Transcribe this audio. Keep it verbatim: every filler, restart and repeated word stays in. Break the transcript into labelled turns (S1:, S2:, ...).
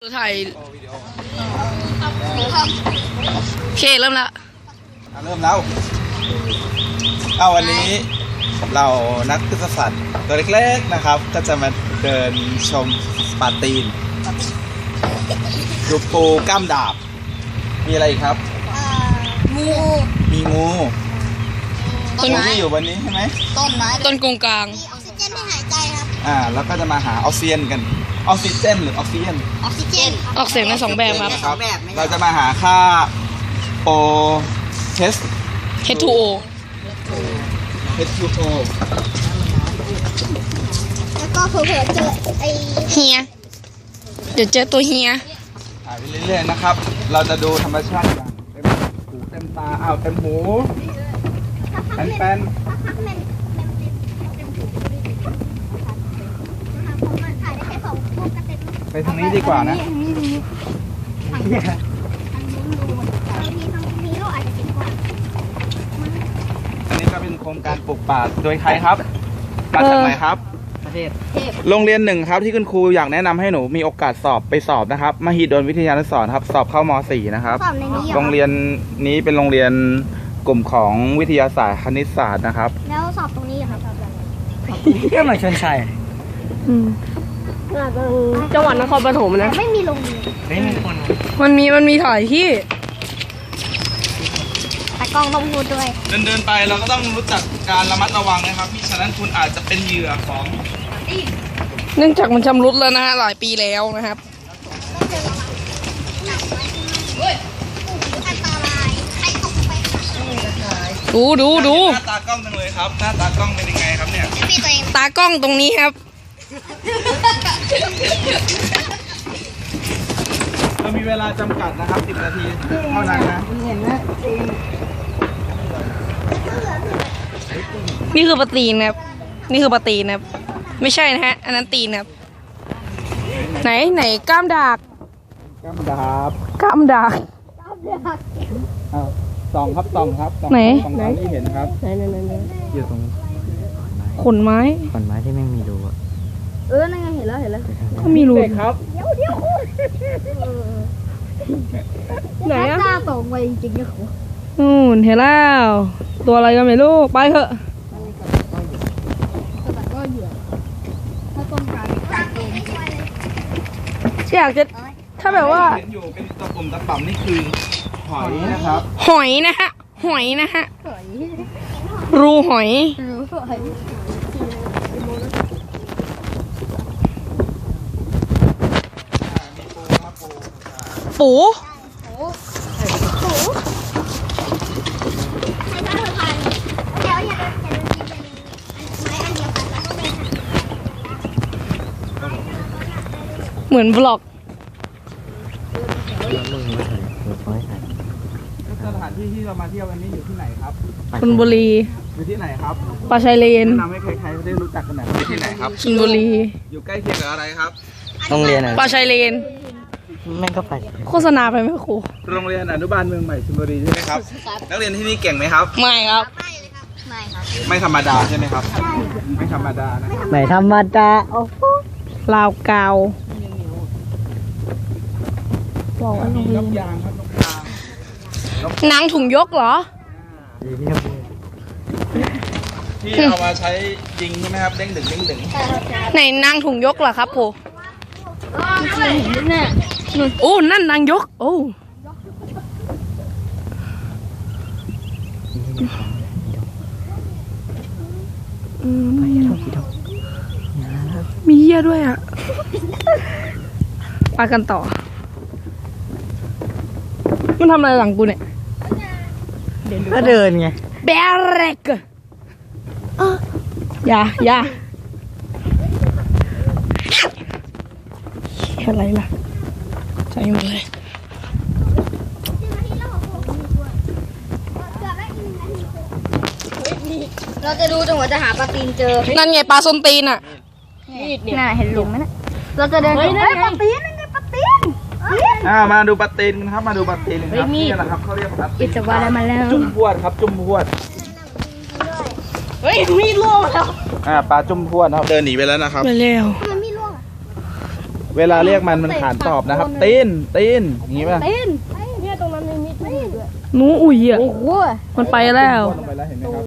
S1: ถ่ายโอเคเริ่มละ
S2: เริ่มแล้วเอาวันนี้เรานักพฤกษศาสตร์ตัวเล็กๆนะครับก็จะมาเดินชมปลาตีนดูปูกล้ามดาบมีอะไรอีกครับ
S3: งู
S2: มีงูต้นไม้ที่อยู่บนนี้ใช่ไหม
S3: ต้นไม้
S1: ต้นกงกลาง
S3: มีออกซิเจนให้หายใจครับ
S2: อ่าแล้วก็จะมาหาออกซิเจนกันออกซิเจนหรือออกซิเจน
S3: ออกซิเจน
S1: ออกเสียงในสองแบบครับ
S2: เราจะมาหาค่าโอเทส
S1: เอช ทู โอ
S2: เอช ทู โอ
S3: แล้วก็เผื่อเจอไอ
S1: เฮียเดี๋ยวเจอตัวเฮีย
S2: ถ่ายไปเรื่อยๆนะครับเราจะดูธรรมชาติอย่างเต็มหูเต็มตาอ้าวเต็มหูแป้นไปทางนี้ดีกว่านะอันนี้ก็เป็นโครงการปลูกป่าโดยใครครับมาจากไหนครับประเทศโรงเรียนหนึ่งครับที่คุณครูอยากแนะนำให้หนูมีโอกาสสอบไปสอบนะครับมหิดลวิทยานุสรณ์ครับสอบเข้ามอสี่นะครับโรงเรียนนี้เป็นโรงเรียนกลุ่มของวิทยาศาสตร์คณิตศาสตร์นะครับ
S3: แล้วสอบตรงนี้ครับ
S4: ก็มาชนชัย
S1: จังหวัดนครปฐมนะ
S3: ไม่มีโรงเรียน
S4: ไม่มีคน
S1: มันมีมันมีถ่ายที่
S3: ตากล้องต้องพูดด้วย
S2: เดินเดินไปเราก็ต้องรู้จักการระมัดระวังนะครับมิฉะนั้นคุณอาจจะเป็นเหยื่อของ
S1: เนื่องจากมันชำรุดแล้วนะฮะหลายปีแล้วนะครับดูดูดู
S2: หน้าตากล้องจังเลยครับหน้าตากล้องเป็นยังไงครับเนี่ย
S1: ตากล้องตรงนี้ครับ
S2: เรามีเวลาจำกัดนะครับสิบนาทีเท่านั้นนะ
S1: นี่คือปลาตีนนะครับนี่คือปลาตีนนะครับไม่ใช่นะฮะอันนั้นตีนครับไหนไหนกล้ามดาก
S2: กล้ามดาบ
S1: กล้ามดาก
S2: อ้าวสองครับสองครับ
S1: ไหน
S2: ไหนที่เห็นครับ
S1: ไหนไหนไหน
S4: อยู่ตรง
S1: ขนไม้
S4: ขนไม้ที่ไม่มีรูอ่ะ
S3: เออนั่นไงเห็นแล้วเห็นแล้ว
S1: ก็มีรู
S2: ครับ
S3: เดี๋ยวเดี๋ยวไหนอะหน้าตรงไปจริงๆนะครู
S1: นู่นเห็นแล้วตัวอะไรกันไม่รู้ไปเถอะอยากจะถ้าแบบว่า
S2: เห็นอยู่เป็นตะปุ่มตะป่ำนี่คือหอยนะครับ
S1: หอยนะฮะหอยนะฮะรูหอยปูเหมือนบล็อก
S2: สถานที่ที่เรามาเที่ยววันนี้อยู่ที่ไหนครับ
S1: ชลบุรี
S2: อยู่ที่ไหนครับ
S1: ปลาชายเลน
S2: แนะนำให้ใครๆได้รู้จักกันหน่อยอยู่ที่ไหนครับ
S1: ชลบุรี
S2: อยู่ใกล้เคียงกับอะไรครับ
S4: โรงเรียน
S1: ปลาชายเลน
S4: แม่งก็ไป
S1: โฆษณาไปไหมครู
S2: โรงเรียนอนุบาลเมืองใหม่ชลบุรีใช่ไหมครับนักเรียนที่นี่เก่งไหมครับ
S1: ไม่ครับ
S3: ไม่ครับ
S2: ไม่ธรรมดาใช่ไหมครับไม่ธรรมดานะ
S4: ไม่ธรรมดาโอ้โห
S1: ลาวกาวบอกว่าโรงเรียนนางถุงยกเหรอ
S2: ที่เอามาใช้ยิงใช่ไหมครับเด้งดึงเด้งดึง
S1: ไหนนางถุงยกเหรอครับโผโอ้นั่นนางยกโอ้มีเหี้ยด้วยอ่ะไปกันต่อมันทำอะไรหลังกูเนี่ย
S4: ก็เดินไง
S1: เบรกอย่าอย่าอะไรล่ะใจหมดเลย
S3: เราจะดูจนกว่าจะหาปลาตีนเจอ
S1: นั่นไงปลาส้นตีนอ่ะ
S3: น่าเห็นหลุมไหมนะเราจะเดินเฮ้ยปลาตีนนั่นไงปลาตีน
S2: อ่ามาดูปลาตีนครับมาดูปลาตีนครับนี่นะครับเขาเรียกปลาตีนจุ่มพวดครับจุ่มพวด
S1: เฮ้ยมีดล่วงแล้ว
S2: อ่าปลาจุ่มพวดนะครับเดินหนีไปแล้วนะครับ
S1: ไปแล้ว
S3: มันมีล่วง
S2: เวลาเรียกมันมันขานตอบนะครับ ตีนตีนอย่างงี้ป่ะ
S3: ตีนเนี่ยตรงนั้นมีมีดด้วย
S1: หนูอุ่ยอ่ะ
S3: โอ้โห
S1: มันไปแล้ว
S2: ลงไปแล้วเห็นไหมครับ